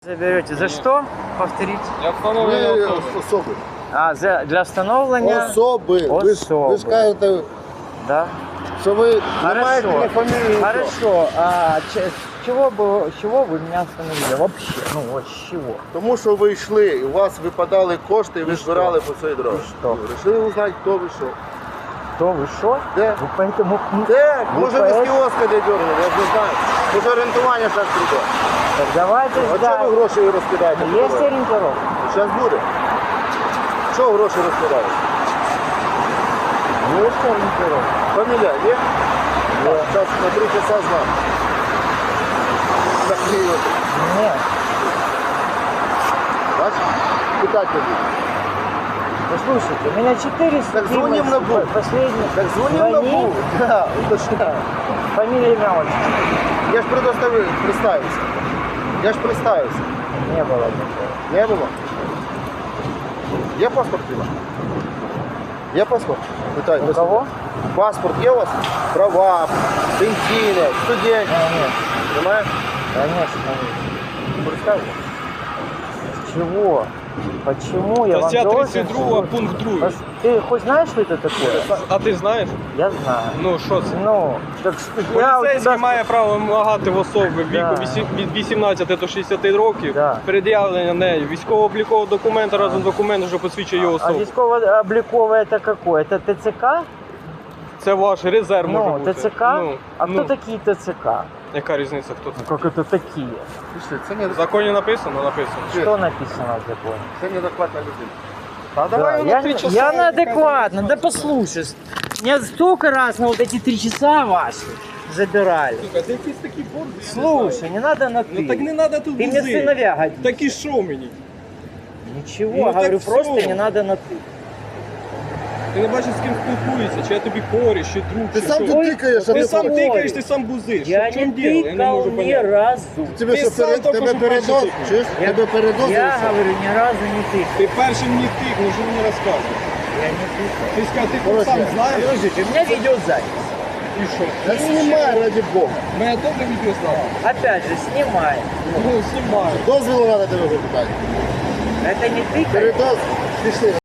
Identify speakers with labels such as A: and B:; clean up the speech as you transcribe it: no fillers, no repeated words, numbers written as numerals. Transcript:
A: Заберете. За что? Повторите.
B: Для встановлення
C: Особи.
A: Для встановлення
C: Особи. Ви ж кажете,
A: Да.
C: що ви не маєте
A: Хорошо.
C: ні фамілії, ні нічого.
A: Хорошо. С чего вы меня остановили? Вообще. Ну вот с чего?
C: Тому що ви йшли, і у вас випадали кошти, і ви
A: І
C: збирали по цій дорозі.
A: що?
C: Решили узнати, хто ви що.
A: Кто вы шо?
C: Де?
A: Вы поэтому...
C: Де?
A: Ви
C: Може ви з
A: поет?
C: кіоска де дергали, я ж не знаю. Може орієнтування зараз прийде.
A: Так давайте
C: А чого
A: ждать.
C: ви гроші розкидаєте?
A: Есть ориентировка?
C: Зараз буде. Чого гроші розкидаєте?
A: Есть ориентировка.
C: Фамілія є? Зараз на 3 часа знам. Так,
A: Нет.
C: бачиш? Питати не буду.
A: Послушайте, у меня 4
C: Так звоним на БУ.
A: Последний.
C: Так дзвонив на БУ. Да, уточняю.
A: Фамилия, имя, отчество.
C: Я ж представився. Я ж представився.
A: Не было такого.
C: Не було? Є паспорт у вас? Є паспорт? Питаю.
A: У кого?
C: Паспорт є у вас? Права, пенсійне, студент.
A: Нет.
C: Немає?
A: Конечно.
C: Представився.
A: С чего? Почему я вам
B: Стаття
A: должен...
B: 32, пункт 2.
A: Ты хоть знаешь, что это такое?
B: А ти знаєш?
A: Я знаю.
B: Ну що це?
A: Ну, так что я у
B: Поліцейський
A: тебя...
B: має право вимагати в особи
A: Да.
B: віку від 18 до 60 років
A: Да.
B: пред'явлення нею військово-облікового документа разом документ, що посвідчує його
A: А
B: особу.
A: військово-облікове это какое? Это ТЦК?
B: Це ваш резерв може
A: Ну,
B: бути.
A: ТЦК?
B: Ну,
A: А
B: ну,
A: кто такие ТЦК?
B: яка різниця, хто це?
A: Ну, как это такие?
C: Пішли, це не,
B: В законі написано? Написано.
A: Что написано в законе?
C: це неадекватна людина.
B: А давай
A: Да,
B: на 3 часа.
A: я неадекватно, да послушай. Меня столько раз на вот эти 3 часа ваши забирали.
B: Слухай, ти якийсь такий борзий.
A: Слушай, не надо на ты.
B: Ну так не треба тут
A: Ты мне
B: бузи.
A: сыновья годишь.
B: Так і що мені?
A: Ничего,
B: Ну,
A: говорю,
B: так
A: просто
B: всё.
A: не надо на ты.
B: Ти не бачиш, з ким спілкуєшся, чи я тобі коріш, чи друг,
C: Ти
B: чи
C: сам
B: що?
C: тут тикаєш, а
B: Ти
C: не
B: сам
A: говорю.
B: тикаєш, ти сам бузиш.
A: Я
B: В чому
A: не
B: діло? Я не
A: тыкал
B: можу
A: ни
B: поняти.
A: разу.
C: Тебе
B: Ти
C: що,
B: сам тільки
C: тебе
B: що
C: передоз?
B: перший
C: Чуєш?
B: тикнув.
C: Тебе передоз?
A: Я говорю, ни разу не тыкал.
B: Ти першим мені тикнув, що мені розказуєш?
A: Я не тыкал.
B: Ти сказав, ти
C: Короче,
B: сам знаєш?
A: Подождите, у меня видеозапись.
B: І що?
C: Та знімай, раді Бога.
B: Мене добре відео знало.
A: Опять же, снимай.
B: Ну, знімаю.
C: Дозвілу треба тебе запитати.
A: Это не тыкай.
C: Передоз? Пішли.